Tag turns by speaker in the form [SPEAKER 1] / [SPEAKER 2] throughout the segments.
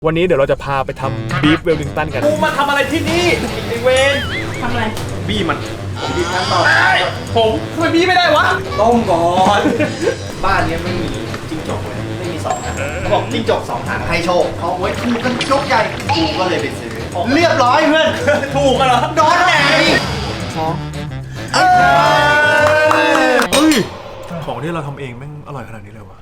[SPEAKER 1] วันนี้เดี๋ยวเราจะพาไปทำบีฟเวลลิงตันกันกูมาทำอะไรที่นี่ไอเวน
[SPEAKER 2] ทำอะไร
[SPEAKER 1] บี้มัน
[SPEAKER 3] บีบน้ำต่อ
[SPEAKER 1] ผมทำไมบี้ไม่ได้วะ
[SPEAKER 3] ต้มก่อนบ้านนี้ไม่มีจิ้งจกเลยไม่มี2นะเขาบอกจิ้งจก2หางให้โชคเขาไว้ถูกกันยกใหญ่กูก็เลยไปซื้อเรียบร้อยเพื่อน
[SPEAKER 1] ถูกกันเหรอ
[SPEAKER 3] โดนไหน
[SPEAKER 1] เฮ้ยของที่เราทำเองแม่งอร่อยขนาดนี้เลยวะ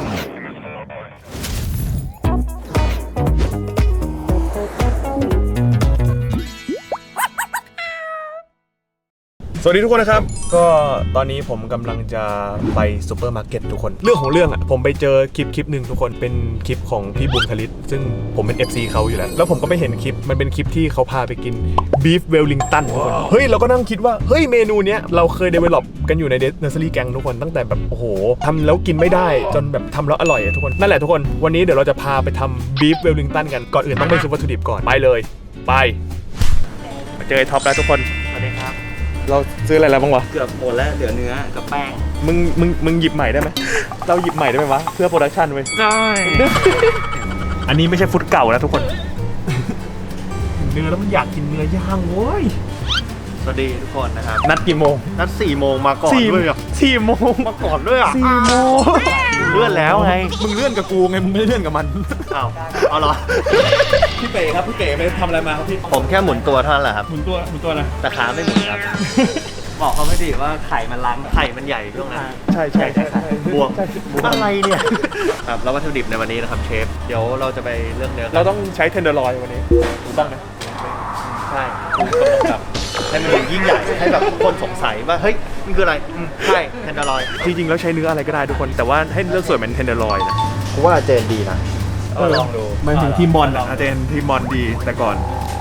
[SPEAKER 1] สวัสดีทุกคนนะครับก็ตอนนี้ผมกำลังจะไปซูเปอร์มาร์เก็ตทุกคนเรื่องของเรื่องอ่ะผมไปเจอคลิปหนึ่งทุกคนเป็นคลิปของพี่บุญคลิตซึ่งผมเป็น FC เขาอยู่แล้วผมก็ไปเห็นคลิปมันเป็นคลิปที่เขาพาไปกินบีฟเวลลิงตันทุกคนเฮ้ยเราก็นั่งคิดว่าเฮ้ยเมนูเนี้ยเราเคยเดเวลลอปกันอยู่ในเนอร์เซอรี่แกงทุกคนตั้งแต่แบบโอ้โหทำแล้วกินไม่ได้จนแบบทำแล้วอร่อยทุกคนนั่นแหละทุกคนวันนี้เดี๋ยวเราจะพาไปทำบีฟเวลลิงตันกันก่อนอื่นต้องไปซื้อวัตถุดิบก่อนไปเลยไปมาเจอไอ้ท็อปแล้วทุกคน
[SPEAKER 3] สวัสดีครับ
[SPEAKER 1] เราซื้ออะไรแล้วบ้างวะ
[SPEAKER 3] เกือบหมดแล้วเหลือเนื้อกับแป้ง
[SPEAKER 1] มึงหยิบใหม่ได้ไหมเราหยิบใหม่ได้ไหมวะเพื่อโปรดักชันเว้ย
[SPEAKER 3] ได้
[SPEAKER 1] อันนี้ไม่ใช่ฟุตเก่านะทุกคนเนื้อแล้วมันอยากกินเนื้อย่างเว้ย
[SPEAKER 3] สวัสดีทุกคนนะครับ
[SPEAKER 1] นัดกี่โมง
[SPEAKER 3] นัด4 โมงมาก่อนด้วยอ่ะ
[SPEAKER 1] 4 โมง
[SPEAKER 3] มาก่อนด้วยอ่ะ
[SPEAKER 1] 4 โมง
[SPEAKER 3] เลื่อนแล้วไง
[SPEAKER 1] มึงเลื่อนกับกูไงมึงไม่เลื่อนกับมัน
[SPEAKER 3] เอาเหรอ
[SPEAKER 1] พี่เป๋ครับพี่เป๋ไปทำอะไรมาครับพี่
[SPEAKER 3] ผมแค่หมุนตัวเท่านั้นแหละครับ
[SPEAKER 1] หมุนตัวนะ
[SPEAKER 3] แต่ขาไม่หมุนครับบอกเขาไม่ดีว่าไข่มันล้างไข่มันใหญ่ช่วงนั้น
[SPEAKER 1] ใช่
[SPEAKER 3] บวกอะไรเนี่ยครับแล้ววัตถุดิบในวันนี้นะครับเชฟเดี๋ยวเราจะไปเลือกเนื้อ
[SPEAKER 1] เราต้องใช้เทนเดอร์ลอยวันนี้ถูกต้องไหม
[SPEAKER 3] ใช่ครับให้มันยิ่งใหญ่ให้แบบทุกคนสงสัยว่าเฮ้ยมันคืออะไรใช่เทนเดอร์ลอย
[SPEAKER 1] จริงๆแล้วใช้เนื้ออะไรก็ได้ทุกคนแต่ว่าให้เลือกส่วนเป็นเทนเดอร์ลอยนะ
[SPEAKER 3] กูว่าเจนดีนะลองดู
[SPEAKER 1] มันถึงทีมบอลอาจจะเป็นทีมบอลดีแต่ก่อน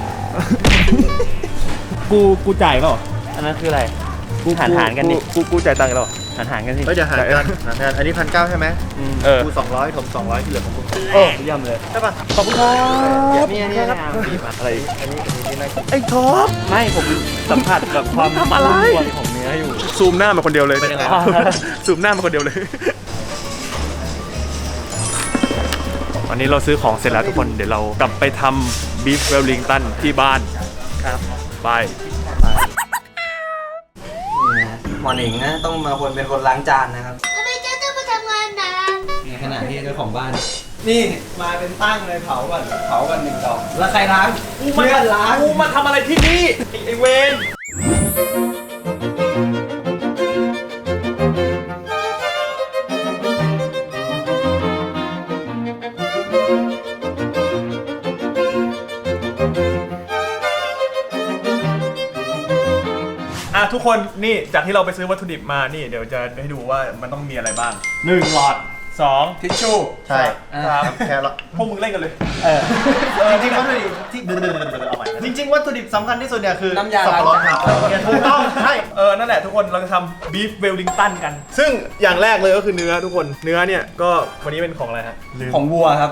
[SPEAKER 1] กูจ่ายเปล่า
[SPEAKER 3] อันนั้นคืออะไรหารกันดิ
[SPEAKER 1] กูจ่ายตังค์แล้ว
[SPEAKER 3] หารกันสิเดี๋ยวหารกันอันนี้1,900ใช่ไหมกู200ผม200ที่เหลือของมึงย่ำเลยใช่ป่ะ
[SPEAKER 1] ขอบคุณครับ
[SPEAKER 3] นี่อะไรอันนี้น่ากิน
[SPEAKER 1] ไอ้ท็อป
[SPEAKER 3] ไม่ผมสัมผัสกับความ
[SPEAKER 1] ทำอะไร
[SPEAKER 3] ของเนื้ออยู่
[SPEAKER 1] ซูมหน้ามาคนเดียวเลยซูมหน้ามาคนเดียวเลยวันนี้เราซื้อของเสร็จแล้วทุกคนเดี๋ยวเรากลับไปทำบีฟเวลลิงตันที่บ้าน
[SPEAKER 3] ครับ
[SPEAKER 1] ไป
[SPEAKER 3] หมอหนิงนะต้องมาเป็นคนล้างจานนะครับ
[SPEAKER 2] ทำไมเจ๊ต้องมาทำงานนะ
[SPEAKER 3] ในขณะที่เจ้าของบ้านนี่มาเป็นตั้งเลยเผาก่อน1 ดอกแล้วใครล้างเพื่อนล้าง
[SPEAKER 1] กูมาทำอะไรที่นี่ไอเวนทุกคนนี่จากที่เราไปซื้อวัตถุดิบมานี่เดี๋ยวจะให้ดูว่ามันต้องมีอะไรบ้าง1 หลอด2ทิชชู่
[SPEAKER 3] ใช่
[SPEAKER 1] ครับแค่ละพวกมึงเล่นกันเลย
[SPEAKER 3] จริงๆวัตถุดิบที่จริงๆวัตถุดิบสำคัญที่สุดเนี่ยคือน้ำยาสับปะรดครับถูกต้องใช่
[SPEAKER 1] นั่นแหละทุกคนเราจะทำบีฟเวลลิงตันกันซึ่งอย่างแรกเลยก็คือเนื้อทุกคนเนื้อเนี่ยก็วันนี้เป็นของอะไรฮะ
[SPEAKER 3] ของวัวครับ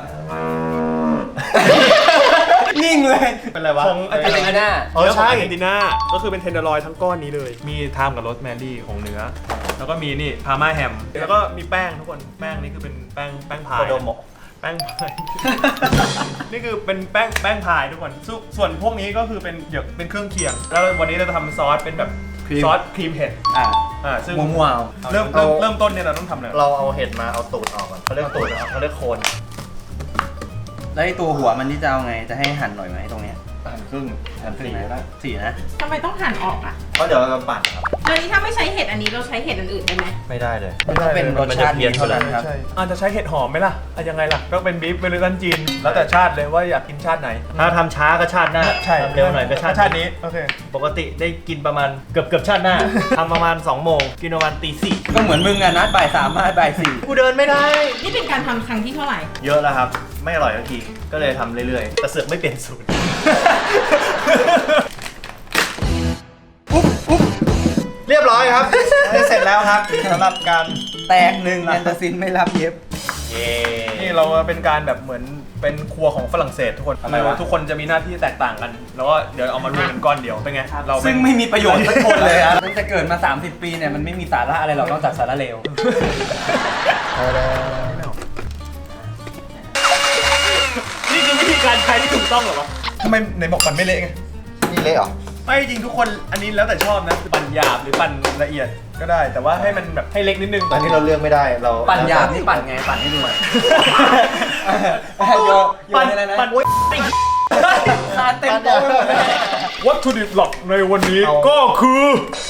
[SPEAKER 3] นิ่งเลยเป็นอะไรวะ
[SPEAKER 1] ของอาร์เจนตินา
[SPEAKER 3] ใช่
[SPEAKER 1] อาร์เจนตินาก็คือเป็นเทนเดอร์ลอยทั้งก้อนนี้เลยมีไทม์กับโรสแมรี่ของเนื้อแล้วก็มีนี่พาม่าแฮมแล้วก็มีแป้งทุกคนแป้งนี่คือเป็นแป้งพายแป้งพายนี่คือเป็นแป้งพายทุกคนส่วนพวกนี้ก็คือเป็นเครื่องเคียงแล้ววันนี้เราจะทำซอสเป็นแบบซอสครีมเห็ดซึ่ง
[SPEAKER 3] มัว
[SPEAKER 1] เริ่มต้นเนี่ยเราต้องทำอะไร
[SPEAKER 3] เราเอาเห็ดมาเอาตูดออกก่อนเขาเรียกตูดเขาเรียกโคนแล้วไอ้ตัวหัวมันที่จะเอาไงจะให้หั่นหน่อยไหมตรงเนี้ยหั่นครึ่งนะ4นะ
[SPEAKER 2] ทำไมต้องหั่นออกอ่ะ
[SPEAKER 3] เพราะเดี๋ยวเราปั่นครับ
[SPEAKER 2] แล้วนี้ถ้าไม่ใช้เห็ดอันนี้เราใช้เห็ดอื่นได้ไหม
[SPEAKER 3] ไม่ได้เลยต้องเป็นรสชาติเดียวเท่านั้นครับ
[SPEAKER 1] อาจจะใช้เห็ดหอมไหมล่ะยังไงล่ะก็เป็นบีฟเวลลิงตันจีนแล้วแต่ชาติเลยว่าอยากกินชาติไหน
[SPEAKER 3] ถ้าทำช้าก็ชาติหน้าทำเร็วหน่อยก็ชาติ
[SPEAKER 1] นี้โอเค
[SPEAKER 3] ปกติได้กินประมาณเกือบชาติหน้าทำประมาณ2 โมงกินประมาณตี 4ก็เหมือนมึงอ่ะนัดบ่าย 3มาบ่าย 4กูเดินไม่ได้
[SPEAKER 2] นี่เป็นการทำครั้งที่เท่าไหร่
[SPEAKER 3] เยอะแล้วครับไม่อร่อยทันทีก็เลยทำเรื่อยๆแต่เสือกไม่เปลี่ยนสูตรเรียบร้อยครับเสร็จแล้วครับสำหรับการแตก1แอนตาซินไม่รับเย็บ
[SPEAKER 1] นี่เราเป็นการแบบเหมือนเป็นครัวของฝรั่งเศสทุกคนทุกคนจะมีหน้าที่แตกต่างกันแล้วก็เดี๋ยวเอามารวมเป็นก้อนเดียวเป็นไง
[SPEAKER 3] เราซึ่งไม่มีประโยชน์สักคนเลยครับตั้งแต่เกิดมา30 ปีเนี่ยมันไม่มีสาระอะไรหรอกนอกจากสาระเลว
[SPEAKER 1] นี่คือวิธีการการใช้ที่ถูกต้องเหรอวะทำไมไหนบอกปั่นไม่เละไง
[SPEAKER 3] นี่เละเหรอ
[SPEAKER 1] ไม่จริงทุกคนอันนี้แล้วแต่ชอบนะปั่นหยาบหรือปั่นละเอียดก็ได้ แต่ว่าให้มันแบบให้เล็กนิดนึง
[SPEAKER 3] ตอนนี้เราเลือกไม่ได้เรา
[SPEAKER 4] ปั่นหยาบนี่ปั่นไงปั่นให้ดูหน่อยปั่นอะไรนะ
[SPEAKER 1] ปั่นโอ๊ย
[SPEAKER 4] ขาเต็มโต๊ะเลย
[SPEAKER 1] วัตถุดิบหลักในวันนี้ก็คือ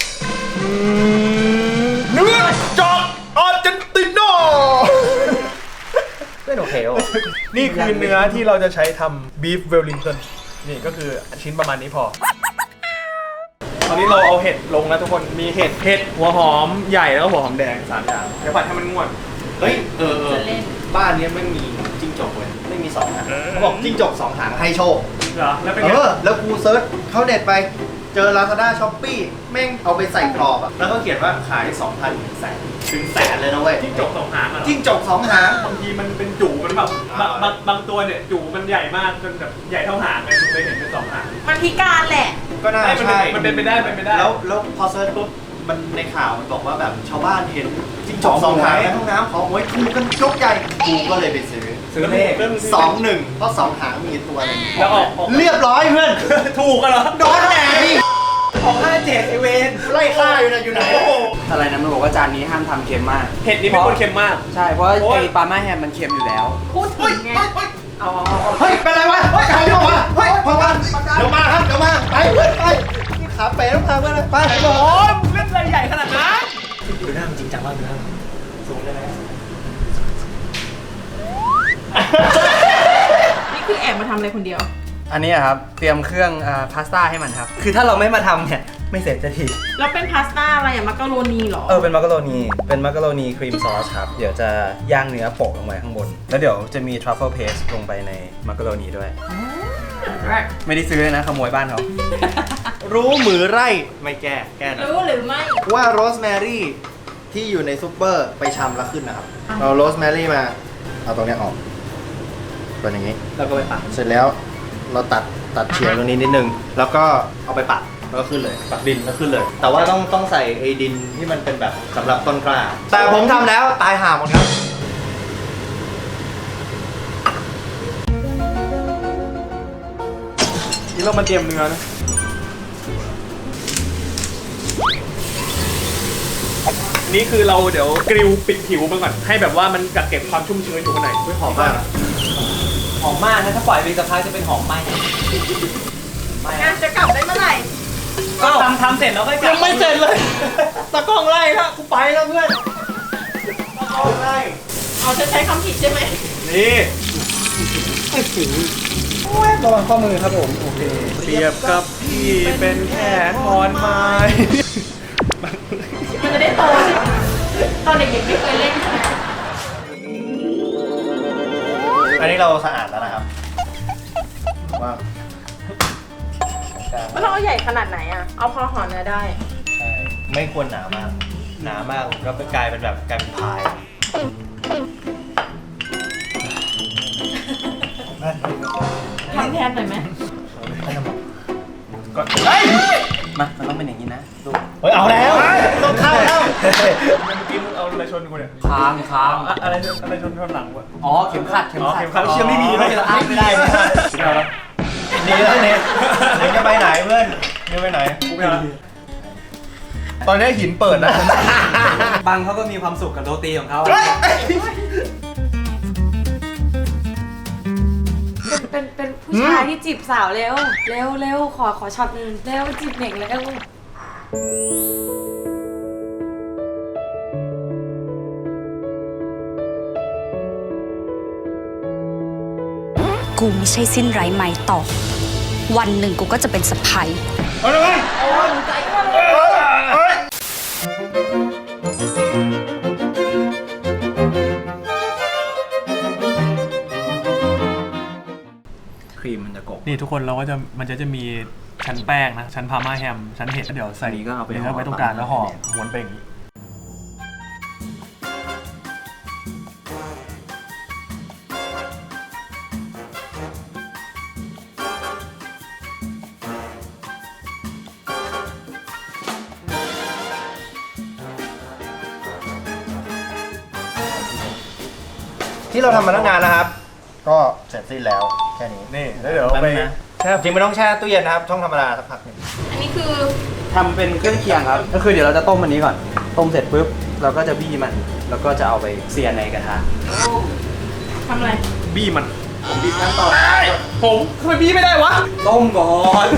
[SPEAKER 1] เนื้อจากอาร์เจนตินา
[SPEAKER 3] ไม่โอเคโอ
[SPEAKER 1] นี่คือเนื้อที่เราจะใช้ทำบีฟเวลลิงตันนี่ก็คือชิ้นประมาณนี้พอ ตอนนี้เราเอาเห็ดลงแล้วทุกคนมีเห็ดหัวหอมใหญ่แล้วก็หัวหอมแดง3อย่างเดี๋ยวผัดให้มันงวด
[SPEAKER 3] เฮ้ยบ้านนี้ไม่มีจิ้งจกเลยไม่มี2 หางเขาบอกจิ้งจก2 หางให้โชค
[SPEAKER 1] เหรอแล้วเป็นไง
[SPEAKER 3] แล้วกูเซิร์ชเข้าเน็ตไปเจอ Lazada Shopee แม่งเอาไปใส่กรอบอะแล้วก็เขียนว่าขาย 2,000 ถึงแสนเลยนะเว้ย
[SPEAKER 1] จิ้งจก2 หางอ่ะ
[SPEAKER 3] จิ้งจก2 หาง
[SPEAKER 1] บางทีมันเป็นจู่มันแบบบางตัวเนี่ยจู่มันใหญ่มากจนแบบใหญ่เท่าหางเลยคุณเคยเห็นเป็น2 หาง
[SPEAKER 2] มันพิการแหละ
[SPEAKER 3] ก็น่าใช่
[SPEAKER 1] มันเป็นไปได้เป็นไปได้
[SPEAKER 3] แล้วพอเซิร์ชปุ๊บมันในข่าวมันบอกว่าแบบชาวบ้านเห็นจิ้งจก2 หางในห้องน้ำขอหวยถูกกันยกใหญ่กูก็เลยไปซื้อ
[SPEAKER 4] เลข
[SPEAKER 3] 2-1เพราะ2 หางมีตัวหนึง
[SPEAKER 1] แล้วออก
[SPEAKER 3] เรียบร้อยเพื่อน
[SPEAKER 1] ถูกกันเหรอ
[SPEAKER 3] โดนแหน
[SPEAKER 4] ของ57ไอเวน
[SPEAKER 3] ไล่ฆ่าอยู่นะอยู่ไหน
[SPEAKER 4] อะไรนะมันบอกว่าจานนี้ห้ามทำเค็มมาก
[SPEAKER 1] เห็ดนี่เป็นคนเค็มมาก
[SPEAKER 4] ใช่เพราะไอปลาม่าแฮมมันเค็มอยู่แล้ว
[SPEAKER 2] พูดถึงไง
[SPEAKER 3] เฮ้ยเป็นไรวะเฮ้ยใครลงมาเฮ้ยพอกันเดี๋ยวมาครับเดี๋ยวมาไปเพื่อนไปนี่ขาเป๋ต้องพาเพื่อนไป
[SPEAKER 1] โอ้ยเล่นอะไรใหญ่ขนาดนั้น
[SPEAKER 3] ดูหน้ามันจริงจังมากดูหน้าสูงได้ไหม
[SPEAKER 2] นี่คือแอบมาทำอะไรคนเดียว
[SPEAKER 4] อันนี้ครับเตรียมเครื่องพาสต้าให้มันครับคือถ้าเราไม่มาทำเนี่ยไม่เสร็จจะที
[SPEAKER 2] แล้วเป็นพาสต้าอะไรอะมักกะโรนีเหรอ
[SPEAKER 4] เป็นมักกะโรนีครีมซอสครับเดี๋ยวจะย่างเนื้อโปะลงไปข้างบนแล้วเดี๋ยวจะมีทรัฟเฟิลเพสลงไปในมักกะโรนีด้วยไม่ได้ซื้อเลยนะขโมยบ้านเขา
[SPEAKER 3] รู้มือไร่ไม่แก้หน่อย
[SPEAKER 2] รู้หรือไม่
[SPEAKER 3] ว่าโรสแมรี่ที่อยู่ในซุปเปอร์ไปชำแล้วขึ้นนะครับเราโรสแมรี่มาเอาตรงเนี้ยออกเป็นอย่างนี้
[SPEAKER 4] แล้วก็ไปปั่น
[SPEAKER 3] เสร็จแล้วเราตัดเฉียงตรงนี้นิดนึงแล้วก็เอาไปปักแล้วก็ขึ้นเลยปักดินแล้วขึ้นเลย แต่ว่าต้องใส่ไอ้ดินที่มันเป็นแบบสำหรับต้นกล้า แต่ผมทำแล้วตายห่าหมดครับ
[SPEAKER 1] นี่เรามาเตรียมเนื้อนะนี่คือเราเดี๋ยวกริลปิดผิวมันก่อนให้แบบว่ามันกักเก็บความชุ่มชื้นอยู่ข้างในไม่หอมมาก
[SPEAKER 4] หอมมากนะถ้าปล่อยไปสักพักจะเป็นหอมไหม้
[SPEAKER 2] งานจะกลับได้เมื่อไหร่
[SPEAKER 4] ก็ทำเสร็จแล้วก็
[SPEAKER 3] ยังไม่เสร็จเลยตะกล้องไล่ครับกูไปแล้วเพื่อนตะกล้องไล่
[SPEAKER 2] เอาจะใช้คำผิดใช่ไหม
[SPEAKER 1] นี่
[SPEAKER 4] ระวังข้อมือครับผมโอเค
[SPEAKER 1] เปรียบกับพี่เป็นแค่ขอนไม้
[SPEAKER 2] มันจะได้โตใช่ไหมตอนเด็กๆไม่เคยเล่นใช่ไหม
[SPEAKER 3] อันนี้เราสะอาดแล้วนะครับว่า
[SPEAKER 2] มันต้องเอาใหญ่ขนาดไหนอะเอาพอห่อเนื้อได้
[SPEAKER 3] ใช่ไม่ควรหนามาก หนามากก็กลายเป็นพาย
[SPEAKER 2] ทำแทนหน่อยไหม
[SPEAKER 1] ก่อน
[SPEAKER 4] มามันต้องเป็นอย่างนี้นะดู
[SPEAKER 3] เฮ้ยเอาแล้วต้องเข้าแล้ว
[SPEAKER 1] เมื่อกี้มึงเอาอะไรชนกูเนี่ย
[SPEAKER 4] ค้าง
[SPEAKER 1] อะไรชนหลังวะ
[SPEAKER 4] อ๋อเข็มขัด
[SPEAKER 1] อ๋อเข็มขัดเชื่อไม่มี
[SPEAKER 3] ไม่ได้ไม่ได้
[SPEAKER 1] เอาแล้ว
[SPEAKER 3] นี่แล้วเนี่ยเดี๋ยวจะไปไหนเพื่อนจะไปไหน
[SPEAKER 1] กูไม่เอาแล้วตอนนี้หินเปิดนะ
[SPEAKER 4] บังเขาก็มีความสุขกับโรตีของเขา
[SPEAKER 5] เป็นผู้ชายที่จีบสาวเร็ว เร็วขอช็อตหนึงเร็วจีบเหน่งแล้วกันลูก
[SPEAKER 6] กูไม่ใช่สิ้นไร้ไม้ต่อ วันหนึ่งกูก็จะเป็นสะพ้าย
[SPEAKER 1] เอาเลย
[SPEAKER 4] ครีมมันจะกบ
[SPEAKER 1] นี่ทุกคนเราก็จะมันจะมีชั้นแป้งนะชั้นพาร์มาแฮมชั้นเห็ดแล้วเดี๋ยวใส่
[SPEAKER 4] อันนี้ก็เอาไป
[SPEAKER 1] เดี๋ยว
[SPEAKER 4] ห่อ
[SPEAKER 1] ไว้ตรงกลางแล้วห่อม้วนไปอย่างนี้
[SPEAKER 3] ที่เราทำมาตั้งนานนะครับ ก็เสร็จสิ้นแล้วค่นี้
[SPEAKER 1] นี่แล้วเดี๋ยวไป
[SPEAKER 4] แป๊บนึงนะ
[SPEAKER 1] แช่
[SPEAKER 3] จริงไม่ต้องแช่ตู้เย็นนะครับช่องธรรมดาสักพักหนึง
[SPEAKER 2] อันนี้คือ
[SPEAKER 4] ทำเป็นเครื่องเคียงครับ ก็คือเดี๋ยวเราจะต้มอันนี้ก่อน ต้มเสร็จปุ๊บเราก็จะบี้มัน แล้วก็จะเอาไปเสียในกระทะ
[SPEAKER 2] ทำอะไร
[SPEAKER 1] บี้มัน
[SPEAKER 3] ผมบีบขั้นตอน
[SPEAKER 1] ผมทำไมบี้ไม่ได้วะ
[SPEAKER 4] ต้มก่อน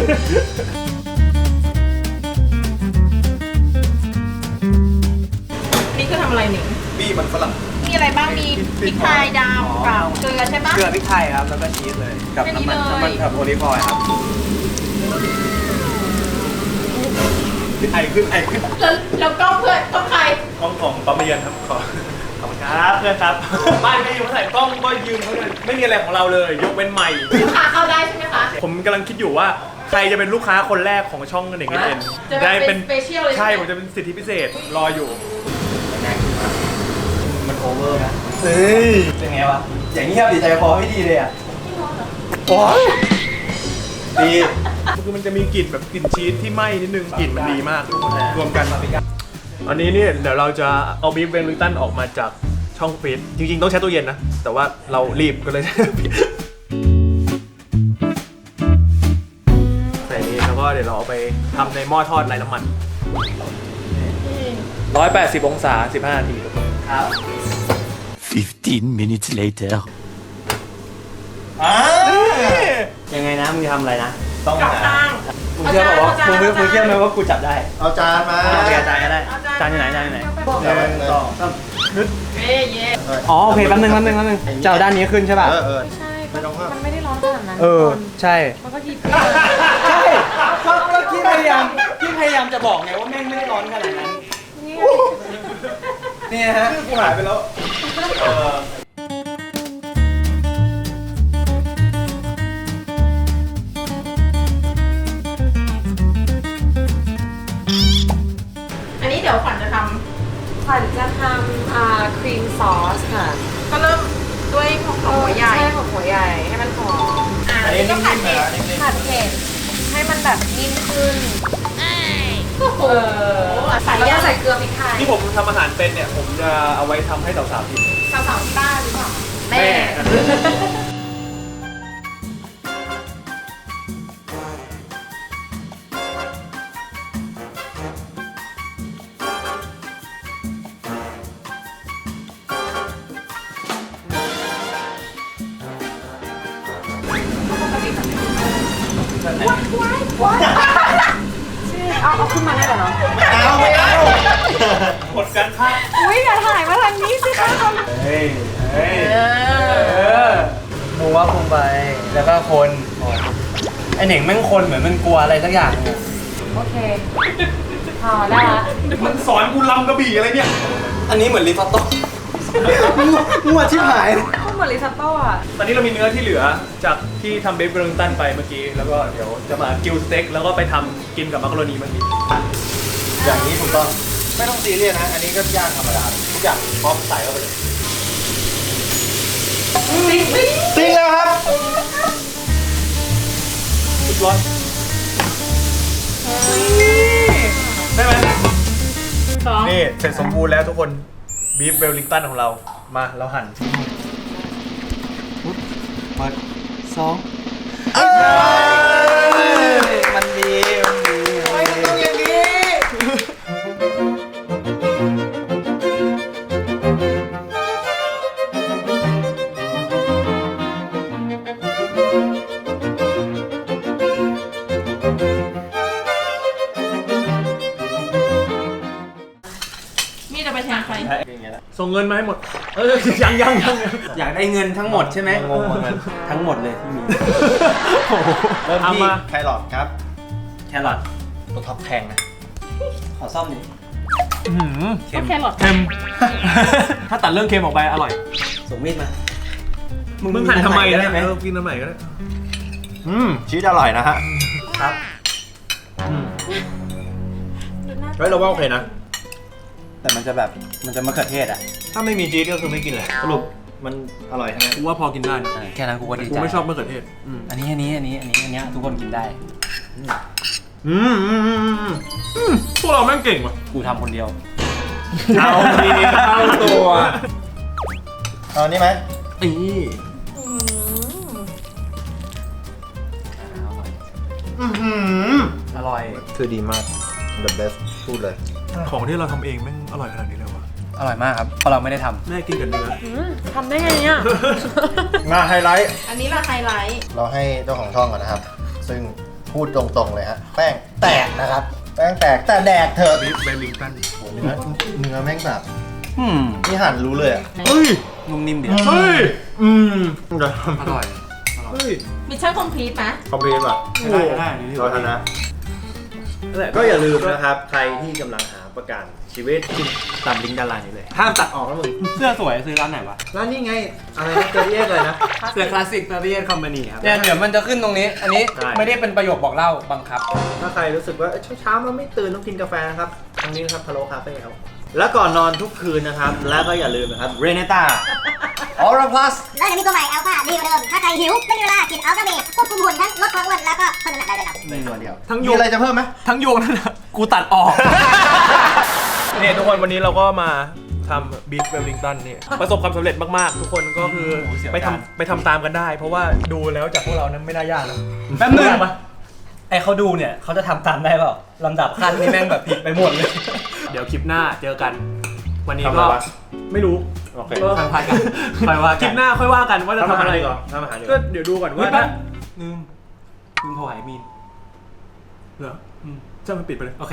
[SPEAKER 2] นี่คือทำอะไรหนิง
[SPEAKER 1] บี้มันฝรั่ง
[SPEAKER 2] มีอะไรบ้าง มีพริกไทยดำกับเกลือใช่ปะ
[SPEAKER 4] เกลือพริกไทยครับ แล้วก็ชีสเลย กับน้ำมัน
[SPEAKER 2] แค่นี้เลย
[SPEAKER 4] น้ำมันกับโอลิฟออยล์ครับ
[SPEAKER 1] ไอขึ้นไอขึ้น
[SPEAKER 2] แล้วก็เพื่อนต้องใคร
[SPEAKER 1] กล้องของปั๊มเย็นครับขอบคุณครับเพื่อนครับบ้านไม่อยู่เมื่อไหร่กล้องก็ยืนเขาเลยไม่มีอะไรของเราเลย ยกเว้นใหม่
[SPEAKER 2] ลูกค้าเข้าได้ใช่ไหมคะ
[SPEAKER 1] ผมกำลังคิดอยู่ว่าใครจะเป็นลูกค้าคนแรกของช่องเด็กเอ็น
[SPEAKER 2] จะได้เป็น special เลยใช่
[SPEAKER 1] ใช่
[SPEAKER 2] ไหม
[SPEAKER 1] ผมจะเป็นสิทธิพิเศษรออยู่
[SPEAKER 4] มันโอเวอร์นะ
[SPEAKER 1] เฮ้ย
[SPEAKER 4] เป็นไงวะ อย่างนี้ครับดีใจคอไม่ดีเลยอ่ะ
[SPEAKER 1] โอ้ย
[SPEAKER 3] ดี
[SPEAKER 1] คือมันจะมีกลิ่นแบบกลิ่นชีสที่ไหม้นิดนึงกลิ่นมันดีมากทุกคนรวมกันอันนี้เนี่ยเดี๋ยวเราจะเอาบีฟเวลลิงตันออกมาจากช่องฟรีซจริงๆต้องใช้ตู้เย็นนะแต่ว่าเรารีบก็เลย ใส่นี้แล้วก็เดี๋ยวเราเอาไปทำในหม้อทอดไร้น้ำมัน 180 องศา 15 นาที
[SPEAKER 4] ครับ
[SPEAKER 7] 15 minutes later.
[SPEAKER 4] ยังไงนะมึงทำอะไรนะ
[SPEAKER 3] ต้อง
[SPEAKER 2] กลับ
[SPEAKER 3] หา
[SPEAKER 2] ข้าง
[SPEAKER 4] มึงเชื่อบอกว่ามึงเชื่อไหมว่ากูจับได้
[SPEAKER 3] เอาจานมา
[SPEAKER 4] เอาจานก็ได้ จานอยู่ไหนจานอยู่ไหน
[SPEAKER 3] 1 2
[SPEAKER 2] เย่เย่
[SPEAKER 4] อ๋อโอเคแป๊บนึงจะเอาด้านนี้ขึ้นใช่ป่ะ
[SPEAKER 3] เออ
[SPEAKER 5] ใช่
[SPEAKER 3] ไม่ต้องเพิ่ม
[SPEAKER 5] มันไม่ได้ร้อนขนาดนั้น
[SPEAKER 4] เออ ใช่
[SPEAKER 5] มันก็หยิบ
[SPEAKER 4] ใช่ก็พี่พยายามจะบอกไงว่าแม่งไม่ได้ร้อนขนาดนั้น
[SPEAKER 5] นี่
[SPEAKER 4] เนี่ยฮะ
[SPEAKER 1] กูหายไปแล้ว
[SPEAKER 2] อันนี้เดี๋ยวขวัญจะท
[SPEAKER 5] ขวัญจะทำครีมซอสค่ะ
[SPEAKER 2] ำก็เริ่มด้วยของหัวใหญ่
[SPEAKER 5] ใช่ของหัวใหญ่ให้มันหอม
[SPEAKER 2] อันนี้ก็ผัดเผ็ด
[SPEAKER 5] ผัดเผ็ดให้มันแบบนิ่มขึ้น
[SPEAKER 2] โอ้โหใส่
[SPEAKER 5] แล้ว
[SPEAKER 2] ย่า
[SPEAKER 5] ก็
[SPEAKER 2] ใส่
[SPEAKER 5] ใส่เกลือพริกไทย
[SPEAKER 1] ที่ผมทำอาหารเป็นเนี่ย ผมจะเอาไว้ทำให้สาวๆกิน
[SPEAKER 2] สาวๆที่บ้านหรือเปล่า
[SPEAKER 1] แม่
[SPEAKER 5] เอาขึ้นมาได้เหรอเนาะ
[SPEAKER 3] ไม่เอา
[SPEAKER 1] กดกันค่ะ
[SPEAKER 5] อุ้ยอย่าถ่ายมาทางนี้สิคะ
[SPEAKER 4] เฮ้ย
[SPEAKER 1] เฮ้ย
[SPEAKER 4] มูว่าคงไป แล้วก็คนไอเหน่งแม่งคนเหมือนมันกลัวอะไรสักอย่างเนี่ย
[SPEAKER 5] โอเคพอได้ละ
[SPEAKER 1] มันสอนกูลำกระบี่อะไรเนี่ย
[SPEAKER 4] อันนี้เหมือนริซอตโต้มั่วชิบหาย
[SPEAKER 5] ก็เหมือนริซอตโต้อะ
[SPEAKER 1] ตอนนี้เรามีเนื้อที่เหลือจากที่ทำเบฟเวลลิงตันไปเมื่อกี้ แล้วก็เดี๋ยวจะมากิลสเต็กแล้วก็ไปทำกินกับมักกะโรนีเมื่อกี้
[SPEAKER 3] อย่างนี้ถูกต้อง ไม่ต้องซีเรียสนะ อันนี้ก็ย่างธรรมดาทุกอย่างพร้อมใส่เข้าไปเลยจริงแล้วครับ
[SPEAKER 1] สุดร้อนได้ไหมนี่เสร็จสมบูรณ์แล้วทุกคนบีฟเวลลิงตันของเรามาเราหั่น
[SPEAKER 4] เปิดสองมันดีมันดี
[SPEAKER 3] ต้องอย่างนี้
[SPEAKER 2] นี่จะไปแทนใคร
[SPEAKER 1] ส่งเงินมาให้หมด ยัง
[SPEAKER 4] อยากได้เงินทั้งหมดใช่ไหม
[SPEAKER 3] งงเหมือนกัน
[SPEAKER 4] ทั้งหมดเลยที่มี
[SPEAKER 3] เริ่ม
[SPEAKER 1] เอา
[SPEAKER 3] ที่
[SPEAKER 1] มา
[SPEAKER 3] แครอทครับ
[SPEAKER 4] แครอท
[SPEAKER 3] ตัวท็อปแพงนะ
[SPEAKER 4] ขอซ่อมดิ
[SPEAKER 2] ก็แครอท
[SPEAKER 1] เค็ม ถ้าตัดเรื่องเค็มออกไปอร่อย
[SPEAKER 4] ส่งมีดมา
[SPEAKER 1] มึ
[SPEAKER 4] มึ
[SPEAKER 1] งหั่นทำไม
[SPEAKER 4] ได้ไหม
[SPEAKER 1] กินทำไมก็ได้
[SPEAKER 3] ชีสอร่อยนะฮะ
[SPEAKER 4] ครับ
[SPEAKER 1] เฮ้ยเราว่าโอเคนะ
[SPEAKER 4] แต่มันจะแบบมันจะมะเขือเทศอ่ะ
[SPEAKER 1] ถ้าไม่มีชีสก็คือไม่กินแหละสรุป
[SPEAKER 3] มันอร่อยใช่ไหม
[SPEAKER 1] กูว่าพอกินได้นะ
[SPEAKER 4] แค่นั้นกูก็ดี
[SPEAKER 1] กู
[SPEAKER 4] ใจ
[SPEAKER 1] ไม่ชอบมะเขือเทศ
[SPEAKER 4] อันนี้ทุกคนกินได้
[SPEAKER 1] พวกเราแม่งเก่งว่ะ
[SPEAKER 4] กูทำคนเดียว
[SPEAKER 1] เอาดีเข้าตัว
[SPEAKER 3] เอานี่ไหม
[SPEAKER 1] อี
[SPEAKER 4] อร่อย
[SPEAKER 3] คือดีมาก the best พูดเลย
[SPEAKER 1] ของที่เราทำเองแม่งอร่อยขนาดนี้เลยวะ
[SPEAKER 4] อร่อยมากครับเพราะเราไม่ได้ทำ
[SPEAKER 1] แม่กินกับเนื้อ
[SPEAKER 5] ทำได้ไงเนี่ย
[SPEAKER 3] มาไฮไลท์
[SPEAKER 2] อันนี้ละไฮไลท์
[SPEAKER 3] เราให้เจ้าของช่องก่อนนะครับ ซึ่งพูดตรงๆเลยฮะ แป้งแตกนะครับ แป้งแตกแต่แดกเถอะ
[SPEAKER 1] บีฟเวลลิงตัน
[SPEAKER 3] เนื้อแม่งแบบนี่หั่นรู้เลยอ่ะ
[SPEAKER 1] เฮ้ย
[SPEAKER 4] นุ่มนิ่มดี
[SPEAKER 1] เฮ้ย
[SPEAKER 4] อร่อย
[SPEAKER 1] เฮ้ย
[SPEAKER 2] มิชชั่นคอมพลีทไหม
[SPEAKER 3] คอมพลีทป่ะ
[SPEAKER 4] ได้
[SPEAKER 3] เราชนะก็อย่าลืมนะครับ ใครที่กำลังหาประกันชีวิตตามลิงก์ด้านล่างนี้เลย ห้ามตัดออกนะมึง
[SPEAKER 4] เสื้อสวยซื้อร้านไหนวะ
[SPEAKER 3] ร้านนี้ไง อะไรนะเจอรี่เลยนะ
[SPEAKER 4] เสื้อคลาสสิก Pavilion Company ครับเนี่ยเดี๋ยวมันจะขึ้นตรงนี้ อันนี้
[SPEAKER 3] ใช่
[SPEAKER 4] ไม่ได้เป็นประโยคบอกเล่าบังคับ
[SPEAKER 3] ถ้าใครรู้สึกว่าเช้าๆมันไม่ตื่นต้องกินกาแฟนะครับทางนี้นะครับพะโล้คาเฟ่ครับแล้วก่อนนอนทุกคืนนะครับ แล้วก็อย่าลืมนะครับเรเนต้าออร่าพลัส
[SPEAKER 8] แล้วเดี๋ยวมีตัวใหม่อัลฟาดีกว่าเดิม ถ้าใครหิวไม่มีเวลากินอัลฟาเบรควบคุมหุ่นทั้งลดความอ้วนแล้วก็เพิ่มน้ำหนักได้เลยครับ
[SPEAKER 3] ในตัวเดียว
[SPEAKER 1] ทั้งโย
[SPEAKER 3] มี
[SPEAKER 1] ง
[SPEAKER 3] อะไรจะเพิ่มไหม
[SPEAKER 1] ทั้งโยงนั่นแหละกูตัดออก เนี่ยทุกคนวันนี้เราก็มาทำบีฟเวลลิงตันนี่ประสบความสำเร็จมากๆ ทุกคนก็คือ
[SPEAKER 4] โอ้โหเสียว
[SPEAKER 1] ไป
[SPEAKER 4] จาน
[SPEAKER 1] ทำไปทำตามกันได้ เพราะว่าดูแล้วจากพวกเรานั้นไม่น่ายากนะ
[SPEAKER 4] แป๊บนึง
[SPEAKER 1] ยากปะ
[SPEAKER 4] ไอเขาดูเนี่ยเขาจะทำตามได้เปล่าลำดับขั้นนี่แม่งแบบผิดไปหมดเลย
[SPEAKER 1] เดี๋ยวคลิปหน้าเจอกัน วันนี้
[SPEAKER 3] ทำอะไร
[SPEAKER 1] ก็
[SPEAKER 3] วะ
[SPEAKER 1] ไม่รู้
[SPEAKER 3] โอเค
[SPEAKER 1] ก็
[SPEAKER 4] ทางพายกันค่อยว่า
[SPEAKER 1] คลิปหน้าค่อยว่ากันว่าจะทำอะไร
[SPEAKER 3] ก่อนทำอาหารดีก
[SPEAKER 1] ก็
[SPEAKER 3] ว่า
[SPEAKER 1] เดี๋ยวดูก่อน
[SPEAKER 4] ว่า
[SPEAKER 1] ว่าถ้า
[SPEAKER 4] ลืมโทรหามีน
[SPEAKER 1] เหรอเจ้ามันปิดไปเลย
[SPEAKER 4] โอเค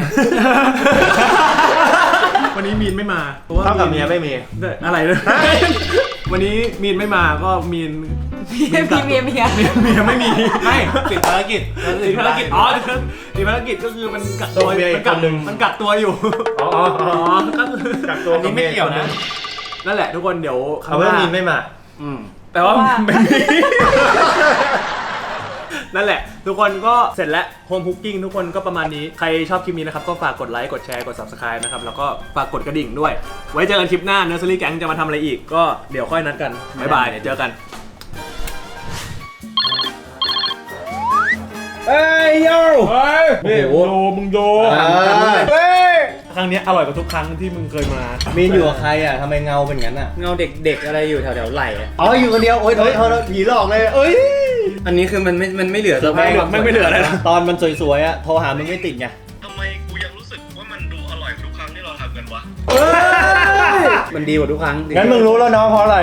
[SPEAKER 1] วันนี้มีนไม่มาเพราะว่า
[SPEAKER 3] เท่ากับเมียไม่มี
[SPEAKER 1] อะไรเลย วันนี้มีนไม่มาก็มีน
[SPEAKER 5] เมีย
[SPEAKER 1] เมียไม่มี
[SPEAKER 4] ไม่ติดภารกิจ
[SPEAKER 1] ติดภารกิจอ๋อติดภารกิจก็คือมันกักตัว
[SPEAKER 3] ตัวเมียอี
[SPEAKER 1] มัน
[SPEAKER 3] ก
[SPEAKER 1] กั
[SPEAKER 3] คนหนึ่ง
[SPEAKER 1] มันกักตัวอยู่
[SPEAKER 3] อ๋อ
[SPEAKER 1] ก็คือ
[SPEAKER 3] กักตัว
[SPEAKER 4] อันนี้ไม่เกี่ยวนะ
[SPEAKER 1] นั่นแหละทุกคนเดี๋ยวครั้
[SPEAKER 3] เอา
[SPEAKER 1] งห
[SPEAKER 3] ว่า
[SPEAKER 1] น้า
[SPEAKER 3] มีไม่มา
[SPEAKER 1] แต่ว่าไม่มี นั่นแหละ ทุกคนก็เสร็จแล้วโฮมคุกกิ้งทุกคนก็ประมาณนี้ใครชอบคลิปนี้นะครับก็ฝากกดไลค์กดแชร์กด subscribe นะครับแล้วก็ฝากกดกระดิ่งด้วย ไว้เจอกันคลิปหน้า Nursery Gang จะมาทำอะไรอีกก็เดี๋ยวค่อยนัดกันบ๊ายบายเดี๋ยวเจอกันเฮ้ยโย่นี่โอ้โหมึงโยเฮ้ยครั้งนี้อร่อยกว่าทุกครั้งที่มึงเคยมา
[SPEAKER 3] มีนอยู่กับใครอ่ะทำไมเงาเป็นงั้นอ่ะ
[SPEAKER 4] เงาเด็กๆอะไรอยู่แถวๆไหล่อะ
[SPEAKER 3] อ๋ออยู่คนเดียวโอ๊ยโทษผีหลอกเลยเอ้ย
[SPEAKER 4] อันนี้คือมันไม่เหลือ
[SPEAKER 1] ไม่เหลืออะไรนะ
[SPEAKER 3] ตอนมันสวยๆอ่ะโทรหามึงไม่ติดไง
[SPEAKER 9] ทำไมกูยังรู้สึกว่ามันดูอร่อยทุกครั้งที่เราทำกันวะ
[SPEAKER 4] มันดีกว่าทุกครั้ง
[SPEAKER 3] งั้นมึงรู้แล้วเนาะเพราะอะไร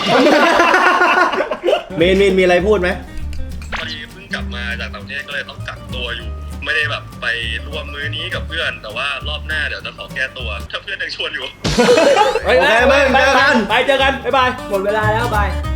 [SPEAKER 3] มีนมีอะไรพูดไหม
[SPEAKER 9] พอดีเพิ่งกลับมาจากต่างประเทศก็เลยต้องกักตัวอยู่ ไม่ได้แบบไปร่วมมื้อนี้กับเพื่อน แต่ว่ารอบหน้าเดี๋ยวจะขอแก้ตัว ถ้าเพื่อนยังชวนอยู่
[SPEAKER 1] โอเคไปเจอกัน บ๊ายบาย หมดเวลาแล้วบาย